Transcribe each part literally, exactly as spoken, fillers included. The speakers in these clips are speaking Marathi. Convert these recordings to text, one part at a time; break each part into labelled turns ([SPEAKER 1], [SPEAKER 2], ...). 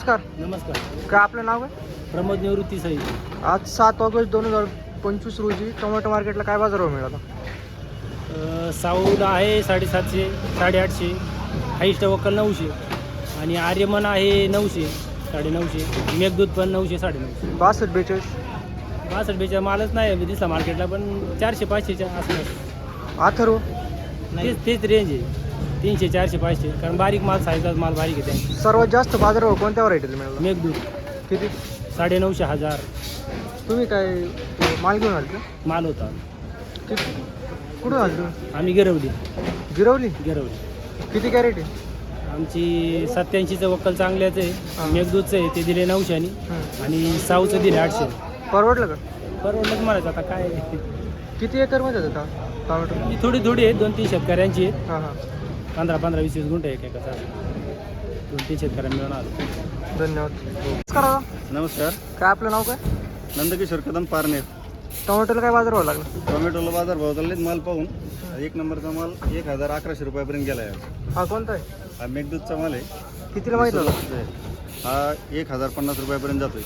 [SPEAKER 1] नमस्कार.
[SPEAKER 2] नमस्कार.
[SPEAKER 1] काय आपलं नाव काय?
[SPEAKER 2] प्रमोद निवृत्ती साई.
[SPEAKER 1] आज सात ऑगस्ट दोन हजार पंचवीस रोजी टोमॅटो मार्केटला काय बाजारभाव मिळाला?
[SPEAKER 2] साऊद आहे साडेसातशे साडेआठशे, हाईस्ट वक्कल नऊशे आणि आर्यमन आहे नऊशे साडेनऊशे, मेघदूत पण नऊशे साडेनऊशे.
[SPEAKER 1] बासष्ट बेचाळीस
[SPEAKER 2] बासष्ट बेचा मालच नाही दिसला मार्केटला, पण चारशे पाचशेच्या आसपास
[SPEAKER 1] अथर्व
[SPEAKER 2] तेच तेच रेंज आहे. तीनशे चारशे पाचशे, कारण बारीक माल साईजचा माल बारीक आहे त्यांची.
[SPEAKER 1] सर्वात जास्त बाजारभाव कोणत्या व्हरायटीला मिळाला?
[SPEAKER 2] मेघदूत
[SPEAKER 1] किती?
[SPEAKER 2] साडेनऊशे हजार
[SPEAKER 1] तुम्ही काय माल घेऊन आले का?
[SPEAKER 2] माल होता.
[SPEAKER 1] किती कुठून आले तुम्ही?
[SPEAKER 2] आम्ही गिरवली
[SPEAKER 1] गिरवली.
[SPEAKER 2] गिरवली
[SPEAKER 1] किती कॅरेट आहे?
[SPEAKER 2] आमची सत्याऐंशीचं वक्कल चांगल्याचं
[SPEAKER 1] हां.
[SPEAKER 2] आहे. मेघदूतचं आहे ते दिले नऊशेनी
[SPEAKER 1] हं.
[SPEAKER 2] आणि साऊचं दिले आठशे.
[SPEAKER 1] परवडलं का?
[SPEAKER 2] परवडलंच म्हणायचं आता काय.
[SPEAKER 1] किती एकरमध्ये होता टोमॅटो?
[SPEAKER 2] ही थोडी थोडी आहे, दोन तीन शेतकऱ्यांची आहे.
[SPEAKER 1] हां हां
[SPEAKER 2] पंधरा पंधरा वीस वीस गुंठे एक एकाचा दोन तीन शेतकऱ्यांना मिळून आलो.
[SPEAKER 1] धन्यवाद. नमस्कार दादा.
[SPEAKER 3] नमस्कार.
[SPEAKER 1] काय आपलं नाव काय?
[SPEAKER 3] नंदकिशोर कदम पारनेर.
[SPEAKER 1] टोमॅटोला काय बाजारभाव लागला?
[SPEAKER 3] टोमॅटोला बाजार भाव चाललेत माल पाहून. एक नंबरचा माल एक हजार अकराशे रुपयापर्यंत गेला आहे.
[SPEAKER 1] हा कोणता आहे?
[SPEAKER 3] हा मेघदूतचा माल आहे.
[SPEAKER 1] कितीला माहिती होतं?
[SPEAKER 3] हा एक हजार पन्नास रुपयापर्यंत जातोय.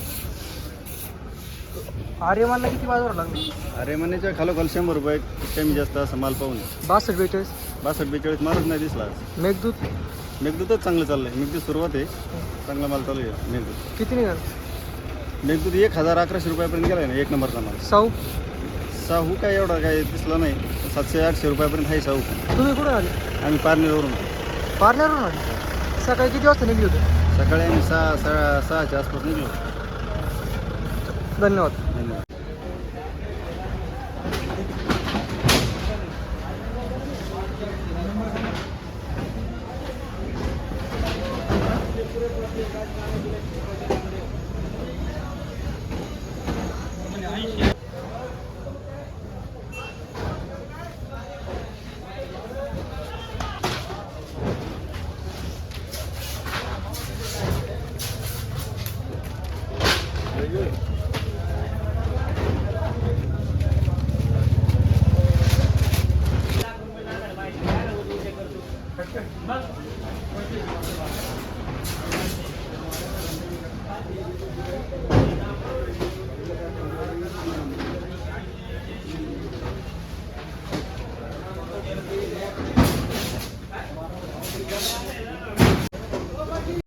[SPEAKER 1] आर्यमानला किती बाजारभाव लागला?
[SPEAKER 3] अरे मनीच्या खालोखाल शंभर रुपये कमी जास्त असं माल पाहून.
[SPEAKER 1] बासष्ट बेचाळीस.
[SPEAKER 3] बासष्ट बेचाळीस मालच नाही दिसला.
[SPEAKER 1] मेघदूत
[SPEAKER 3] मेघदूतच चांगलं चाललं आहे. मेघदूत सुरुवात आहे, चांगला माल चालू आहे. मेघदूत
[SPEAKER 1] किती निघाल?
[SPEAKER 3] मेघदूत एक हजार अकराशे रुपयापर्यंत गेला आहे ना एक नंबरचा माल.
[SPEAKER 1] साऊ
[SPEAKER 3] साहू काय एवढा काय दिसला नाही. सातशे आठशे रुपयापर्यंत आहे साहू.
[SPEAKER 1] तुम्ही कुठून आले?
[SPEAKER 3] आम्ही पारनेरवरून.
[SPEAKER 1] पार्लरवरून आले. सकाळी किती वाजता निघली होते?
[SPEAKER 3] सकाळी आम्ही सहा सहा सहाच्या आसपास निघलो.
[SPEAKER 1] धन्यवाद.